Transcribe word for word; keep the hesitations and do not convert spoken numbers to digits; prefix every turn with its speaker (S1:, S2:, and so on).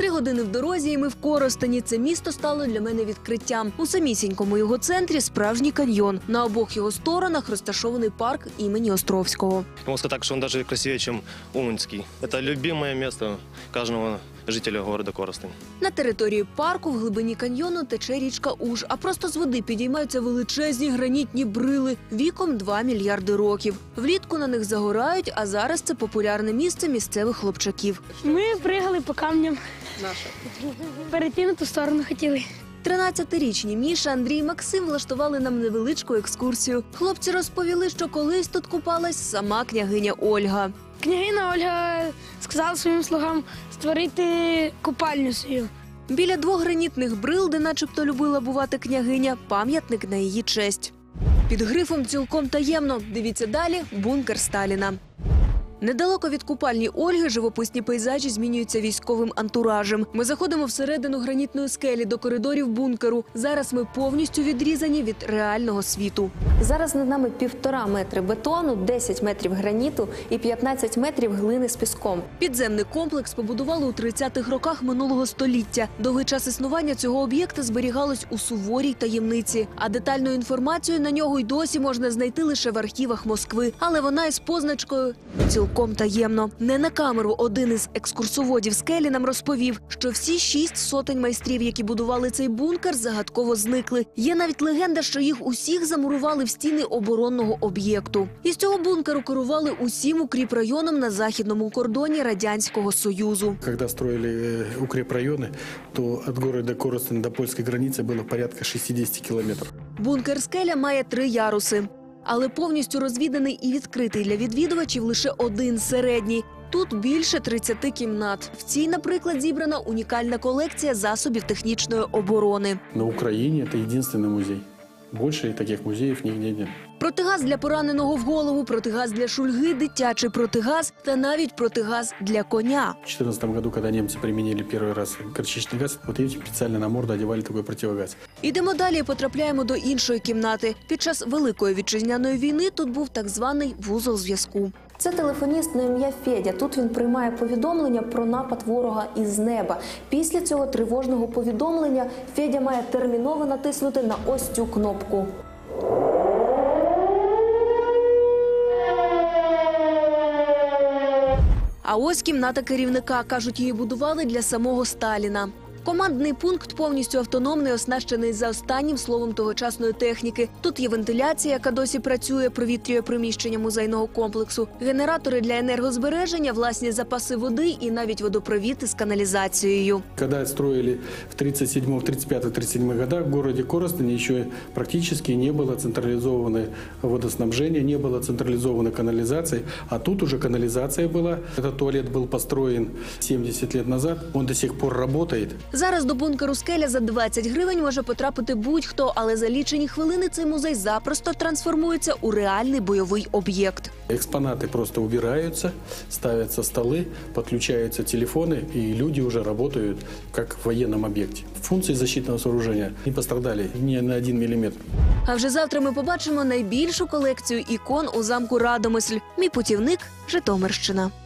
S1: Три години в дорозі, і ми в Коростені. Це місто стало для мене відкриттям. У самісінькому його центрі справжній каньйон. На обох його сторонах розташований парк імені Островського.
S2: Можна сказати, що він навіть красивіше, ніж Уманський. Це любиме місце кожного жителя міста Коростень.
S1: На території парку в глибині каньйону тече річка Уж, а просто з води підіймаються величезні гранітні брили віком два мільярди років. Влітку на них загорають, а зараз це популярне місце місцевих хлопчаків.
S3: Ми пригали по камням. Наша. Перейти на ту сторону хотіли.
S1: тринадцятирічні Міша, Андрій і Максим влаштували нам невеличку екскурсію. Хлопці розповіли, що колись тут купалась сама княгиня Ольга.
S3: Княгиня Ольга сказала своїм слугам створити купальню свою.
S1: Біля двох гранітних брил, де начебто любила бувати княгиня, пам'ятник на її честь. Під грифом «Цілком таємно» дивіться далі «Бункер Сталіна». Недалеко від купальні Ольги живописні пейзажі змінюються військовим антуражем. Ми заходимо всередину гранітної скелі до коридорів бункеру. Зараз ми повністю відрізані від реального світу. Зараз над нами півтора метри бетону, десять метрів граніту і п'ятнадцять метрів глини з піском. Підземний комплекс побудували у тридцятих роках минулого століття. Довгий час існування цього об'єкта зберігалось у суворій таємниці. А детальну інформацію на нього й досі можна знайти лише в архівах Москви. Але вона із позначкою «Цілком таємно». Не на камеру один із екскурсоводів скелі нам розповів, що всі шість сотень майстрів, які будували цей бункер, загадково зникли. Є навіть легенда, що їх усіх замурували в стіни оборонного об'єкту. Із цього бункеру керували усім укріпрайоном на західному кордоні Радянського Союзу.
S4: Коли строїли укріпрайони, то від міста Коростень до польської границі було порядка шістдесят кілометрів.
S1: Бункер «Скеля» має три яруси. Але повністю розвіданий і відкритий для відвідувачів лише один середній. Тут більше тридцяти кімнат. В цій, наприклад, зібрана унікальна колекція засобів технічної оборони.
S4: На Україні це єдиний музей. Більше таких музеїв ніде немає.
S1: Протигаз для пораненого в голову, протигаз для шульги, дитячий протигаз та навіть протигаз для коня.
S4: В две тысячи четырнадцатом году, когда немцы применили первый раз горчичный газ, вот этим специально на морду одевали такой противогаз.
S1: Ідемо далі і потрапляємо до іншої кімнати. Під час Великої вітчизняної війни тут був так званий вузол зв'язку. Це телефоніст на ім'я Федя. Тут він приймає повідомлення про напад ворога із неба. Після цього тривожного повідомлення Федя має терміново натиснути на ось цю кнопку. А ось кімната керівника. Кажуть, її будували для самого Сталіна. Командний пункт повністю автономний, оснащений за останнім словом тогочасної техніки. Тут є вентиляція, яка досі працює, провітрює приміщення музейного комплексу, генератори для енергозбереження, власні запаси води і навіть водопровід із каналізацією.
S4: Коли строили в тридцать седьмом, тридцать пятом, тридцать седьмом годах в городе Коростене ще практично не було централізованого водоснабження, не було централізованої каналізації, а тут уже каналізація була. Цей туалет був построєн сімдесят років назад, він до сих пор працює.
S1: Зараз до бункеру «Скеля» за двадцять гривень може потрапити будь-хто, але за лічені хвилини цей музей запросто трансформується у реальний бойовий об'єкт.
S4: Експонати просто убираються, ставляться столи, підключаються телефони, і люди вже працюють як в воєнному об'єкті. Функції захисного сооруження не постраждали ні на один міліметр.
S1: А вже завтра ми побачимо найбільшу колекцію ікон у замку Радомисль. Мій путівник – Житомирщина.